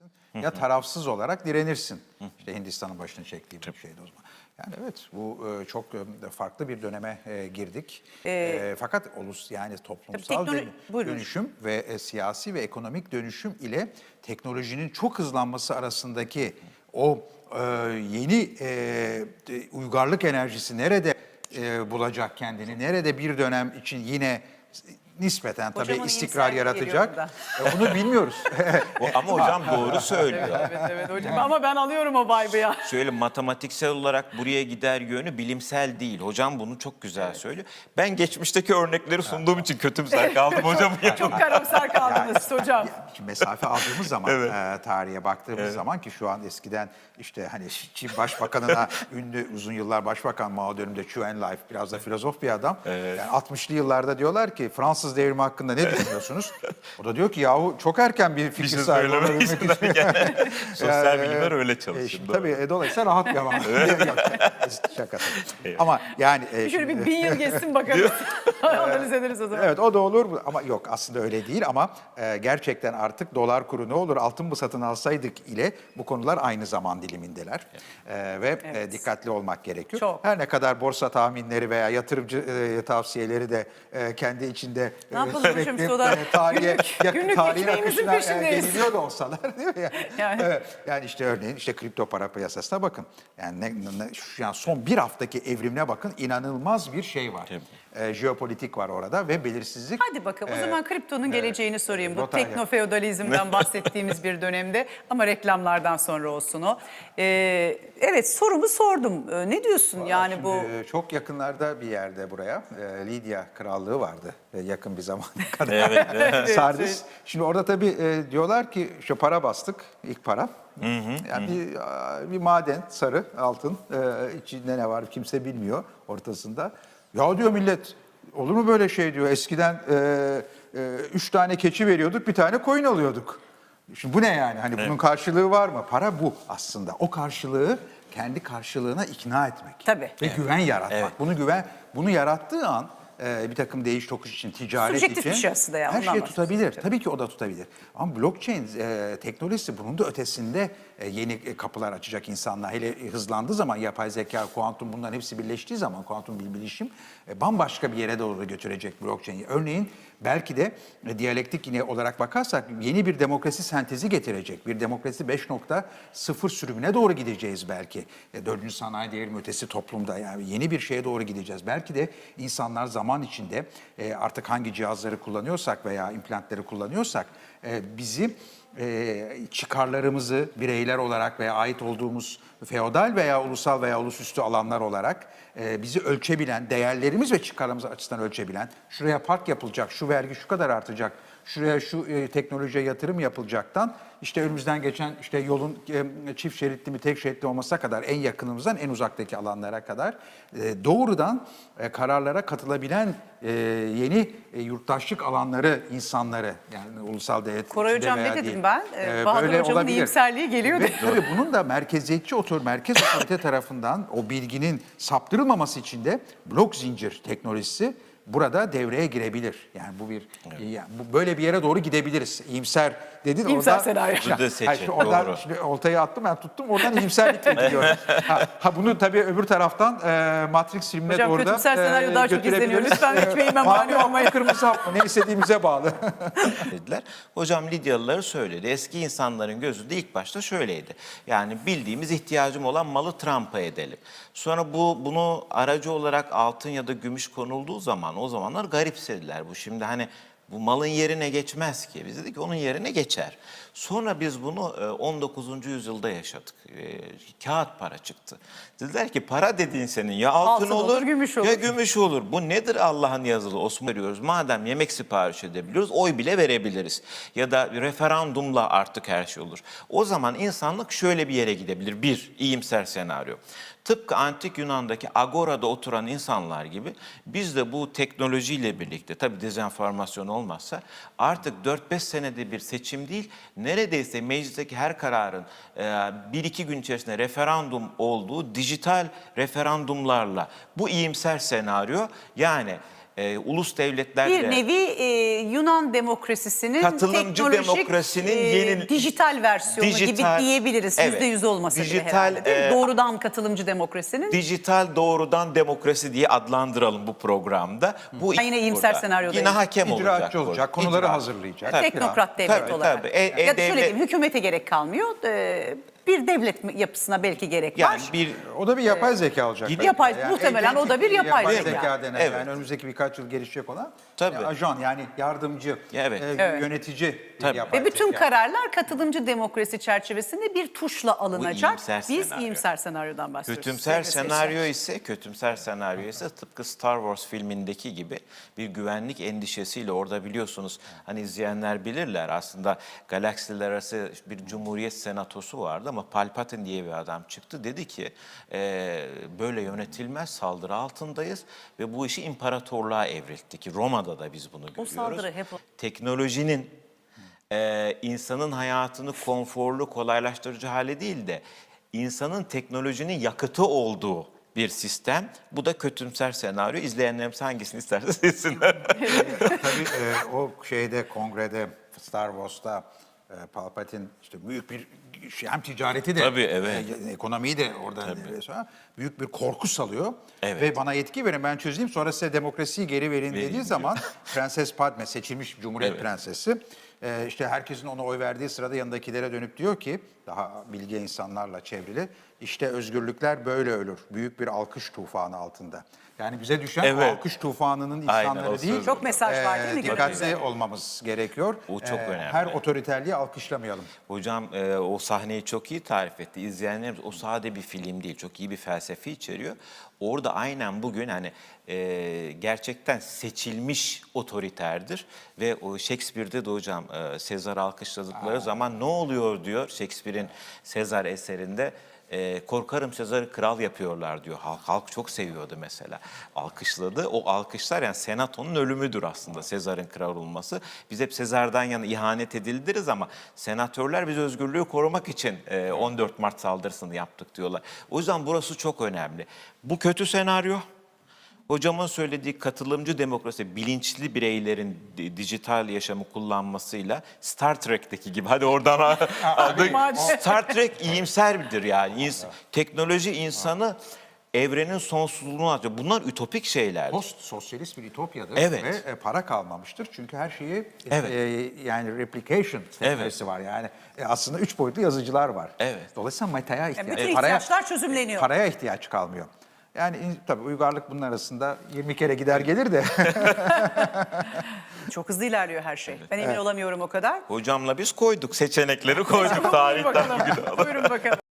ya tarafsız olarak direnirsin. İşte Hindistan'ın başını çektiği bir şeydi o zaman. Yani evet, bu çok farklı bir döneme girdik. Fakat yani toplumsal dönüşüm ve siyasi ve ekonomik dönüşüm ile teknolojinin çok hızlanması arasındaki o yeni uygarlık enerjisi nerede bulacak kendini, nerede bir dönem için yine nispeten tabii istikrar yaratacak. Bunu bilmiyoruz. Ama hocam doğru söylüyor. Evet hocam, ama ben alıyorum o vibe'ı ya. Şöyle matematiksel olarak buraya gider yönü bilimsel değil. Hocam bunu çok güzel söylüyor. Ben geçmişteki örnekleri sunduğum için kötümser kaldım hocam. Çok karamsar kaldınız hocam. Şimdi mesafe aldığımız zaman, tarihe baktığımız zaman ki şu an eskiden işte hani Çin Başbakanı'na ünlü uzun yıllar Başbakan Mao döneminde Chu Enlai biraz da filozof bir adam. Yani 60'lı yıllarda diyorlar ki Fransız devrimi hakkında ne düşünüyorsunuz? O da diyor ki yahu çok erken bir fikir sahibi olabilmek için. Sosyal bilimler öyle çalışıyor. Tabii dolayısıyla rahat bir alan. Şaka tabii. Ama yani... Şöyle bir 1000 yıl geçsin bakarız. Analiz ederiz o zaman. Evet, o da olur ama yok, aslında öyle değil ama gerçekten artık dolar kuru ne olur altın mı satın alsaydık ile bu konular aynı zaman dilimindeler. Ve dikkatli olmak gerekiyor. Çok. Her ne kadar borsa tahminleri veya yatırımcı tavsiyeleri de kendi içinde Ne yapalım hocam, işte o da günlük ekmeğimizin peşindeyiz. Yeniliyor da olsalar değil mi? Yani. Yani işte örneğin işte kripto para piyasasına bakın. Yani şu an son bir haftaki evrimine bakın, inanılmaz bir şey var. Jeopolitik var orada ve belirsizlik. Hadi bakalım o zaman kriptonun geleceğini sorayım. Bu Rotarya. teknofeodalizmden bahsettiğimiz bir dönemde, ama reklamlardan sonra olsun o. Evet, sorumu sordum. Ne diyorsun yani Şimdi, bu? çok yakınlarda bir yerde buraya Lidya Krallığı vardı yakın bir zamana kadar. Evet. Sardis. Şimdi orada tabii diyorlar ki şu para bastık, ilk para. Yani bir maden, sarı altın, içinde ne var kimse bilmiyor ortasında. Ya diyor millet, olur mu böyle şey diyor, eskiden 3 tane keçi veriyorduk, bir tane koyun alıyorduk. Şimdi bu ne yani, hani bunun karşılığı var mı? Para bu aslında, o karşılığı kendi karşılığına ikna etmek. Tabii. Ve güven yaratmak. Bunu yarattığı an bir takım değiş tokuş için, ticaret Subjektif için bir şey aslında ya, her ondan şey bahsediyorum. tutabilir. Tabii ki o da tutabilir. Ama blockchain teknolojisi bunun da ötesinde yeni kapılar açacak insanlar. Hele hızlandığı zaman yapay zeka, kuantum, bunların hepsi birleştiği zaman kuantum bilişim bambaşka bir yere doğru götürecek blockchain'i. Örneğin belki de diyalektik yine olarak bakarsak yeni bir demokrasi sentezi getirecek. Bir demokrasi 5.0 sürümüne doğru gideceğiz belki. 4. sanayi devrimi ötesi toplumda, yani yeni bir şeye doğru gideceğiz. Belki de insanlar zaman içinde artık hangi cihazları kullanıyorsak veya implantları kullanıyorsak bizi çıkarlarımızı bireyler olarak veya ait olduğumuz feodal veya ulusal veya ulusüstü alanlar olarak bizi ölçebilen, değerlerimiz ve çıkarlarımız açısından ölçebilen, şuraya park yapılacak, şu vergi şu kadar artacak, şuraya şu teknolojiye yatırım yapılacaktan işte önümüzden geçen işte yolun çift şeritli mi tek şeritli olmasına kadar, en yakınımızdan en uzaktaki alanlara kadar doğrudan kararlara katılabilen yeni yurttaşlık alanları, insanları, yani ulusal devlet Koray Hocam ne dedim değil. ben? Bahadır Hocam'ın iyimserliği geliyor. Ve tabii bunun da merkeziyetçi merkez otorite tarafından o bilginin saptırılmaması için de blok zincir teknolojisi burada devreye girebilir. Yani bu bir böyle bir yere doğru gidebiliriz. İyimser dedin. İyimser senaryo. Oradan şimdi oltayı attım, ben tuttum. Oradan iyimserlikle gidiyoruz. Bunu tabii öbür taraftan Matrix filmine Hocam, doğru da kötümser senaryo daha çok izleniyor. götürebiliriz. Lütfen ekmeğime mani olmayın. Kırmızı hap mı? Ne istediğimize bağlı. Dediler. Hocam Lidyalıları söyledi. Eski insanların gözü de ilk başta şöyleydi. Yani bildiğimiz ihtiyacım olan malı Trump'a edelim. Sonra bunu aracı olarak altın ya da gümüş konulduğu zaman o zamanlar garipsediler. Bu şimdi hani bu malın yerine geçmez ki. Biz dedik ki onun yerine geçer. Sonra biz bunu 19. yüzyılda yaşadık. Kağıt para çıktı. Dediler ki para dediğin senin ya altın olur, gümüş olur. ya gümüş olur. Bu nedir Allah'ın yazılı? Osman veriyoruz. Madem yemek sipariş edebiliyoruz, oy bile verebiliriz. Ya da referandumla artık her şey olur. O zaman insanlık şöyle bir yere gidebilir. Bir, iyimser senaryo. Tıpkı antik Yunan'daki agorada oturan insanlar gibi biz de bu teknolojiyle birlikte, tabii dezenformasyon olmazsa, artık 4-5 senede bir seçim değil, neredeyse meclisteki her kararın 1-2 gün içerisinde referandum olduğu dijital referandumlarla, bu iyimser senaryo, yani ulus devletler Bir de nevi Yunan demokrasisinin katılımcı teknolojik, demokrasinin yeni dijital versiyonu gibi diyebiliriz. Evet. %100 olmasa bile Dijital, herhalde değil mi? Doğrudan katılımcı demokrasinin. dijital doğrudan demokrasi diye adlandıralım bu programda. Bu Yine iyimser senaryodayız. Yine hakem olacak. İcraatçı olacak, burada. konuları İcraat. hazırlayacak. Tabii. Teknokrat devlet Tabii, olarak. tabii. Ya da şöyle devlet- diyeyim, hükümete gerek kalmıyor. Bir devlet yapısına belki gerek Yani var. bir O da bir yapay zeka olacak. Yine- Yapay, muhtemelen o da bir yapay yapay zeka. zeka denen, Evet. yani önümüzdeki birkaç yıl gelişecek olan Tabii. ajan, yani yardımcı, Evet. Evet. yönetici bir Tabii. yapay Ve bütün zeka. kararlar katılımcı demokrasi çerçevesinde bir tuşla alınacak. iyimser Biz senaryo. iyimser senaryodan bahsediyoruz. kötümser sevgili kötümser senaryo ise tıpkı Star Wars filmindeki gibi bir güvenlik endişesiyle, orada biliyorsunuz hani izleyenler bilirler, aslında galaksiler arası bir cumhuriyet senatosu vardı ama Palpatine diye bir adam çıktı, dedi ki böyle yönetilmez, saldırı altındayız ve bu işi imparatorluğa evrildi ki Roma'da da biz bunu görüyoruz. saldırı hep Teknolojinin insanın hayatını konforlu, kolaylaştırıcı hale değil de insanın teknolojinin yakıtı olduğu bir sistem. Bu da kötümser senaryo. İzleyenlerimiz hangisini isterse seçsinler. Tabii o şeyde, kongrede, Star Wars'ta Palpatine işte büyük bir hem ticareti de Tabii, evet. Ekonomiyi de orada büyük bir korku salıyor. Evet. Ve bana yetki verin, ben çözeyim, sonra size demokrasiyi geri verin dediği diyor. zaman Prenses Padme, seçilmiş Cumhuriyet Evet. Prensesi, işte herkesin ona oy verdiği sırada yanındakilere dönüp diyor ki, daha bilge insanlarla çevrili, işte özgürlükler böyle ölür. Büyük bir alkış tufanı altında. Yani bize düşen Evet. alkış tufanının Aynen, insanları o değil. söz. Çok mesaj var değil mi? Dikkatli Güzel. olmamız gerekiyor. Bu çok önemli. Her otoriterliği alkışlamayalım. Hocam o sahneyi çok iyi tarif etti. İzleyenlerimiz, o sade bir film değil, çok iyi bir felsefe içeriyor. Orada aynen bugün hani gerçekten seçilmiş otoriterdir ve o Shakespeare'de de hocam Sezar'ı alkışladıkları zaman ne oluyor diyor Shakespeare'in Sezar eserinde. Korkarım Sezar'ı kral yapıyorlar diyor. Halk çok seviyordu mesela. Alkışladı. O alkışlar yani senatonun ölümüdür aslında Sezar'ın kral olması. Biz hep Sezar'dan yana ihanet edildiriz ama senatörler biz özgürlüğü korumak için 14 Mart saldırısını yaptık diyorlar. O yüzden burası çok önemli. Bu kötü senaryo. Hocamın söylediği katılımcı demokrasi, bilinçli bireylerin dijital yaşamı kullanmasıyla Star Trek'teki gibi, hadi oradan Star Trek iyimserdir yani. Teknoloji insanı evrenin sonsuzluğuna atıyor. Bunlar ütopik şeyler. Post sosyalist bir ütopyadır Evet. ve para kalmamıştır. Çünkü her şeyi Evet. yani replication teknolojisi var. Yani aslında 3 boyutlu yazıcılar var. Evet. Dolayısıyla metaya ihtiyaç. bütün ihtiyaçlar çözümleniyor. Paraya ihtiyaç kalmıyor. Yani tabii uygarlık bunun arasında 20 kere gider gelir de. Çok hızlı ilerliyor her şey. Ben emin olamıyorum o kadar. Hocamla biz koyduk, seçenekleri koyduk tarihten bugüne. Buyurun bakalım.